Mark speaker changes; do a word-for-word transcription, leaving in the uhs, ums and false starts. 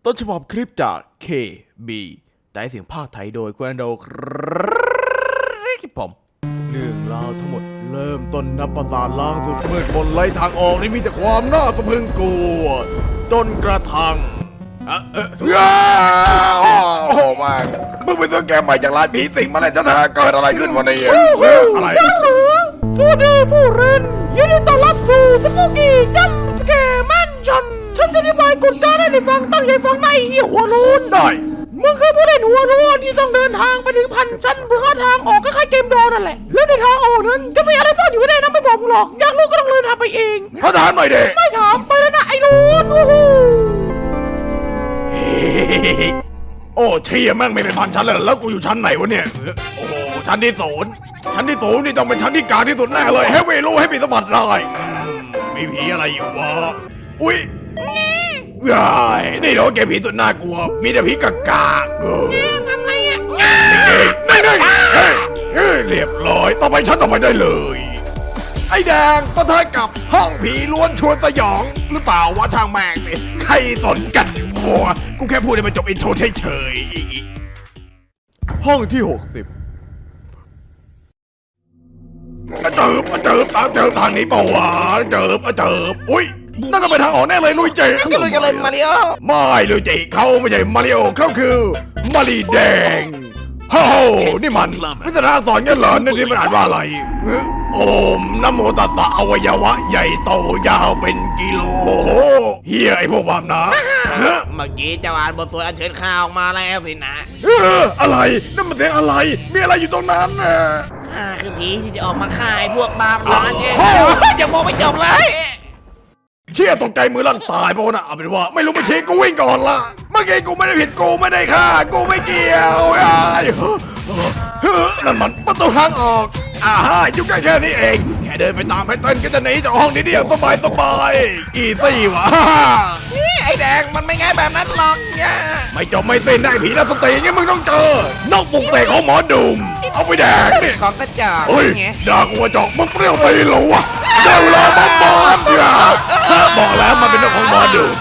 Speaker 1: ต้นฉบับคลิปจาก เค บี ได้เสียงภาคไทยโดยกุนโดครับผมเรื่องราวทั้งหมดเริ่มต้นนับประสาทล้างสุดมืดมนไร้ทางออกนี่มีแต่ความน่าสะพรึงกลัวจนกระทั่งอะเอ๊ะ
Speaker 2: โอ้โหมันมึงไปซื้อแกมใหม่จากร้านผีสิงมาเลยจะเกิดอะไรขึ้นวันนี้อะอะไร
Speaker 1: สวัสดีผู้เล่นยินดีต้อนรับสู่สปูกี้จัมป์แกร์แมนชั่นฉันจะอธิบายกฎการให้ฟังตั้งใจฟังในเหี้ยหัวรูน
Speaker 2: ได้
Speaker 1: มึงคือผู้เล่นหัวโล้นที่ต้องเดินทางไปถึงพันชั้นเพื่อหาทางออกก็แค่เกมดอนั่นแหละแล้วในทางออกนั้นจะมีอะไรซ่อนอยู่ได้นะไม่บอกมึงหรอกอยากรู้ก็ต้องเดินทางไปเอง
Speaker 2: พระทหารหน่อยเด็ก
Speaker 1: ไม่ถามไปแล้วนะไอ้ลูนโอ้โห
Speaker 2: โอ้เชี่ยแม่งไม่เป็นพันชั้นเลยแล้วกูอยู่ชั้นไหนวะเนี่ยโอ้โหชั้นที่ศูนย์ชั้นที่ศูนย์นี่ต้องเป็นชั้นที่กลางที่สุดแน่เลยให้เวรู้ให้ปีสมบัติได้อืมมีผีอะไรอยู่วะอุ้ยไอ้นี่เดี๋ยวเกมผีสุดน่ากลัวมีแต่ผีกากาเออ
Speaker 1: ทำไงอ่ะ
Speaker 2: นี่นี่เฮ้ยเฮ้ยเรียบร้อยต่อไปชั้นต่อไปได้เลยไอ้แดงปะทะกับห้องผีล้วนชวนสยองหรือเปล่าวะทางแม่งสิใครสนกันบัวกูแค่พูดให้มันจบอินโทรเฉยๆ
Speaker 1: ห้องที่หกสิบ
Speaker 2: เจิบเจิบตามเจิบทางนี้เปล่าวะเจิบเจิบอุ้ยนั่นก็เป็นทางออกแน่เลยลุยเจ
Speaker 3: กันเลยกันเลยมาริโอ
Speaker 2: ไม่ลุยเจเขาไม่ใช่มาริโอเขาคือมารีแดงโอ้โหนี่มันวิทยาสอนกันเหรอนี่ที่มันอ่านว่าอะไรโอมนะโมตัสสะอวัยวะใหญ่โตยาวเป็นกิโลเฮียไอพวกบาปนะฮะ
Speaker 3: เมื่อกี้เจ้าอ่านบทสวดอัญเชิญข้าวออกมาแล้วสินะ
Speaker 2: เอออะไรนั่นมันเสียงอะไรมีอะไรอยู่ตรงนั้นน่ะ
Speaker 3: ข้าคือผีที่จะออกมาฆ่าไอ้พวกบาปร้านเนี่ยจะมองไม่จบเลย
Speaker 2: เชี่ยตกใจมือลั่นตายเพราะนะเอาเป็นว่าไม่รู้มาชี้กูวิ่งก่อนละเมื่อกี้กูไม่ได้ผิดกูไม่ได้ฆ่ากูไม่เกี่ยวไอ้เฮ้ยนั่นมันประตูทางออกอ่าฮะอยู่ใกล้แค่นี้เองแค่เดินไปตามให้เต้นก็จะหนีจากห้องนี้เดียวสบายสบายอีซี่วะ
Speaker 3: นี่ไอ้แดงมันไม่ง่ายแบบนั้นหรอกเนี่ย
Speaker 2: ไม่จบไม่สิ้นได้ผีนักสติงี้มึงต้องเจอนกปลุกเสกของหมอดุมเอาไปแดกนี่
Speaker 3: ของกระจอก
Speaker 2: เฮ้ย
Speaker 3: ไง
Speaker 2: ด่ากูว่าจอกมึงเปรี้ยวตีเหรอวะได้เวลาบ้าบ้าเนี่ยบอกแล้วมันเป็นนกของหมอดุม